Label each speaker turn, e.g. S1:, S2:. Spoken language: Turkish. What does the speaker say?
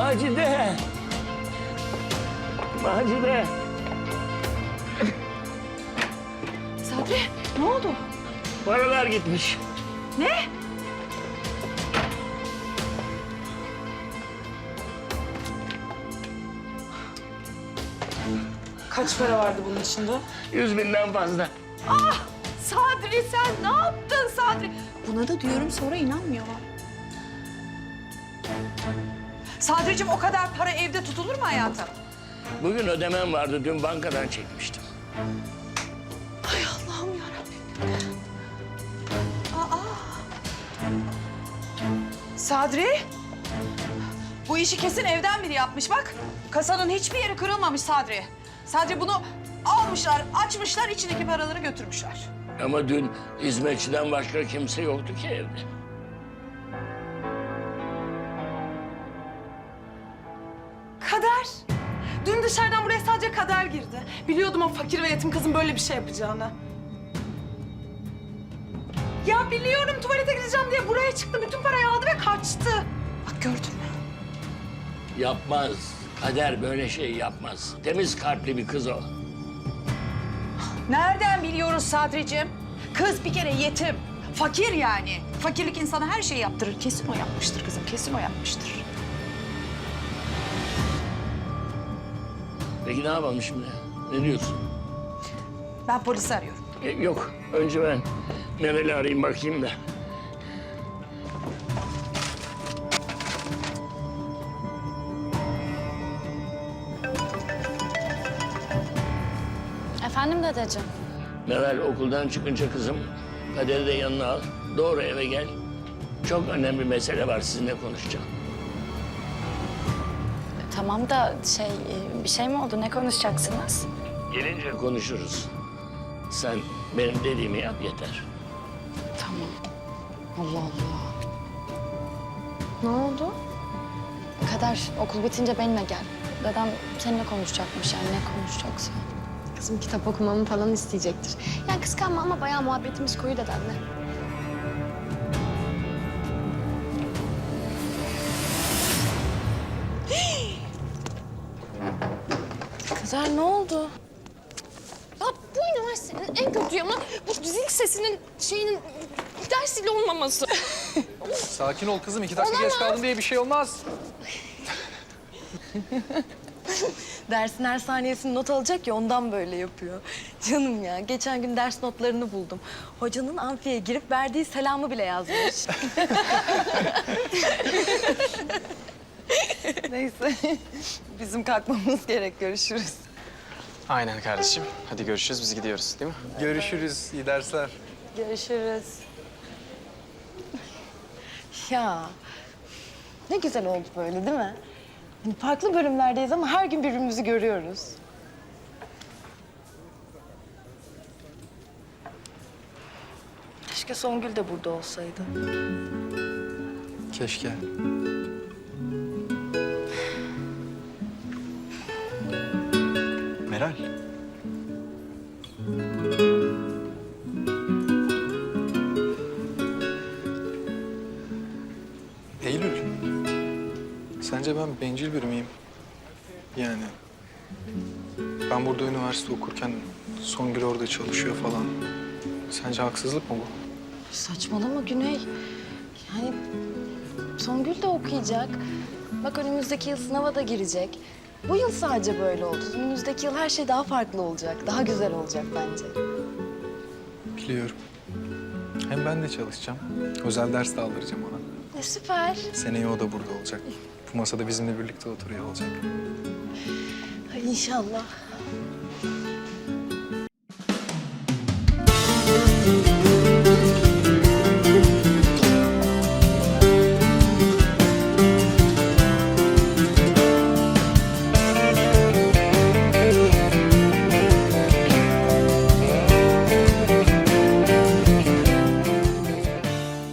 S1: Macide! Macide!
S2: Sadri, ne oldu?
S1: Paralar gitmiş.
S2: Ne? Kaç para vardı bunun içinde?
S1: 100.000'den fazla.
S2: Ah! Sadri sen ne yaptın Sadri? Buna da diyorum sonra inanmıyorlar. Sadri'cim o kadar para evde tutulur mu hayatım?
S1: Bugün ödemem vardı. Dün bankadan çekmiştim.
S2: Ay Allah'ım yarabbim. Aa! Sadri? Bu işi kesin evden biri yapmış bak. Kasanın hiçbir yeri kırılmamış Sadri. Sadri bunu almışlar, açmışlar, içindeki paraları götürmüşler.
S1: Ama dün hizmetçiden başka kimse yoktu ki evde.
S2: Kader. Dün dışarıdan buraya sadece Kader girdi. Biliyordum o fakir ve yetim kızın böyle bir şey yapacağını. Ya biliyorum tuvalete gideceğim diye buraya çıktı. Bütün parayı aldı ve kaçtı. Bak gördün mü?
S1: Yapmaz. Kader böyle şey yapmaz. Temiz kalpli bir kız o.
S2: Nereden biliyoruz Sadri'cim? Kız bir kere yetim. Fakir yani. Fakirlik insana her şeyi yaptırır. Kesin o yapmıştır kızım, kesin o yapmıştır.
S1: Peki ne yapalım şimdi? Ne diyorsun?
S2: Ben polisi arıyorum.
S1: Yok. Önce ben Meral'i arayayım bakayım da.
S3: Efendim dedeciğim?
S1: Meral okuldan çıkınca kızım Kader'i de yanına al. Doğru eve gel. Çok önemli mesele var sizinle konuşacağım.
S3: Tamam da bir şey mi oldu? Ne konuşacaksınız?
S1: Gelince konuşuruz. Sen benim dediğimi yap yeter.
S3: Tamam. Allah Allah. Ne oldu? Kader okul bitince benimle gel. Dedem seninle konuşacakmış yani ne konuşacaksa.
S4: Kızım kitap okumamı falan isteyecektir. Yani kıskanma ama bayağı muhabbetimiz koyu dedemle.
S3: Kader ne oldu?
S4: Ya bu üniversitenin en kötü yanı bu zil sesinin dersiyle olmaması.
S5: Sakin ol kızım. 2 dakika geç kaldın diye bir şey olmaz.
S6: Dersin her saniyesini not alacak ya ondan böyle yapıyor. Canım ya geçen gün ders notlarını buldum. Hocanın amfiye girip verdiği selamı bile yazmış. Neyse bizim kalkmamız gerek görüşürüz.
S5: Aynen kardeşim. Hadi görüşürüz. Biz gidiyoruz değil mi? Görüşürüz. İyi dersler.
S6: Görüşürüz. Ya ne güzel oldu böyle değil mi? Hani farklı bölümlerdeyiz ama her gün birbirimizi görüyoruz. Keşke Songül de burada olsaydı.
S5: Keşke. Meral. Eylül. Sence ben bencil biri miyim? Yani ben burada üniversite okurken Songül orada çalışıyor falan. Sence haksızlık mı bu?
S6: Saçmalama Güney. Yani Songül de okuyacak. Bak önümüzdeki yıl sınava da girecek. Bu yıl sadece böyle oldu. Önümüzdeki yıl her şey daha farklı olacak. Daha güzel olacak bence.
S5: Biliyorum. Hem ben de çalışacağım. Özel ders de aldıracağım ona.
S6: Süper.
S5: Seneye o da burada olacak. Bu masada bizimle birlikte oturuyor olacak.
S6: Ay, İnşallah.